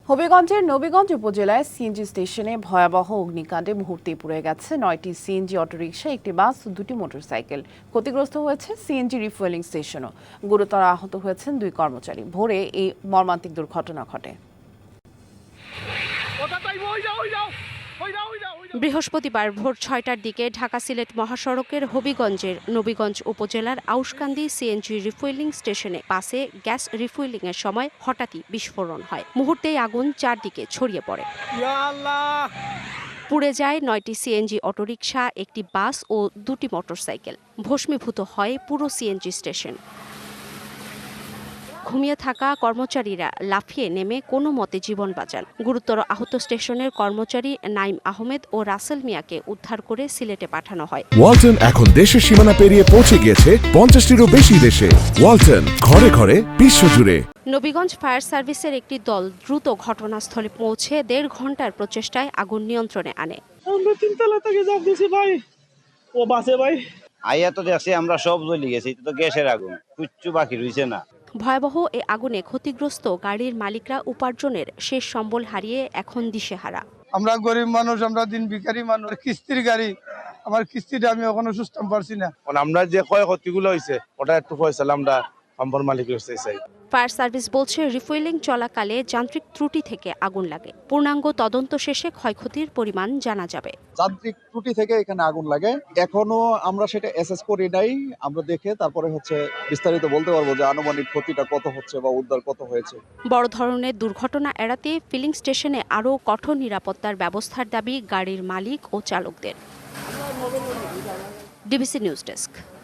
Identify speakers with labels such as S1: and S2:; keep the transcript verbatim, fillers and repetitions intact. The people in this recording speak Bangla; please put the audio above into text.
S1: হবিগঞ্জের নবীগঞ্জ উপজেলায় সিএনজি স্টেশনে ভয়াবহ অগ্নিকাণ্ডে মুহূর্তেই পুড়ে গেছে নয়টি সিএনজি অটোরিকশা, একটি বাস ও দুটি মোটরসাইকেল। ক্ষতিগ্রস্ত হয়েছে সিএনজি রিফুয়েলিং স্টেশনও। গুরুতর আহত হয়েছেন দুই কর্মচারী। ভোরে এই মর্মান্তিক দুর্ঘটনা ঘটে।
S2: বৃহস্পতিবার ভোর ছয়টার দিকে ঢাকা সিলেট মহাসড়কের হবিগঞ্জের নবীগঞ্জ উপজেলার আউশকান্দি সিএনজি রিফুয়েলিং স্টেশনে বাসে গ্যাস রিফুয়েলিং এর সময় হঠাৎই বিস্ফোরণ হয়। মুহূর্তেই আগুন চারদিকে ছড়িয়ে পড়ে। পুড়ে যায় নয়টি সিএনজি অটোরিকশা, একটি বাস ও দুটি মোটরসাইকেল। ভস্মীভূত হয় পুরো সিএনজি স্টেশন। ঘুমিয়ে থাকা কর্মচারীরা লাফিয়ে নেমে কোনো মতে জীবন বাঁচান। গুরুতর আহত স্টেশনের কর্মচারী নাইম আহমেদ ও রাসেল মিয়াকে উদ্ধার করে সিলেটে পাঠানো হয়।
S3: ওয়ালটন এখন দেশের সীমানা পেরিয়ে পৌঁছে গিয়েছে পঞ্চাশটিরও বেশি দেশে। ওয়ালটন, ঘরে ঘরে বিশ্বজুড়ে।
S2: নবীগঞ্জ ফায়ার সার্ভিসের একটি দল দ্রুত ঘটনাস্থলে পৌঁছে দেড় ঘন্টার প্রচেষ্টায় আগুন নিয়ন্ত্রণে আনে।
S4: আমরা তিনতলা থেকে যাব দিছি ভাই, ও বাসে ভাই
S5: আইয়া তো দেখছি আমরা সব জ্বলে গেছি, এটা তো গ্যাসের আগুন, কিচ্ছু বাকি রইছে না।
S2: ভয়াবহ এ আগুনে ক্ষতিগ্রস্ত গাড়ির মালিকরা উপার্জনের শেষ সম্বল হারিয়ে এখন দিশেহারা।
S6: আমরা গরিব মানুষ, আমরা দিন ভিখারি মানুষ, কিস্তির গাড়ি, আমার কিস্তিটা আমি এখনো সুস্থ পারছি না।
S7: আমরা যে ক্ষয় ক্ষতিগুলো হয়েছে ওটা একটু ফয়সালা আমরা কোম্পানির মালিকের কাছে চাই।
S2: ফায়ার সার্ভিস বলছে রিফুয়েলিং চলাকালে যান্ত্রিক ত্রুটি থেকে আগুন লাগে। পূর্ণাঙ্গ তদন্ত শেষে ক্ষয়ক্ষতির পরিমাণ জানা যাবে।
S8: যান্ত্রিক ত্রুটি থেকে এখানে আগুন লাগে, এখনো আমরা সেটা অ্যাসেস করি নাই। আমরা দেখে তারপরে হচ্ছে বিস্তারিত বলতে পারবো যে আনুমানিক ক্ষতিটা কত হচ্ছে বা উদ্ধার কত হয়েছে।
S2: বড় ধরনের দুর্ঘটনা এড়াতে ফিলিং স্টেশনে আরও কঠোর নিরাপত্তার ব্যবস্থার দাবি গাড়ির মালিক ও চালকদের। DBC news desk.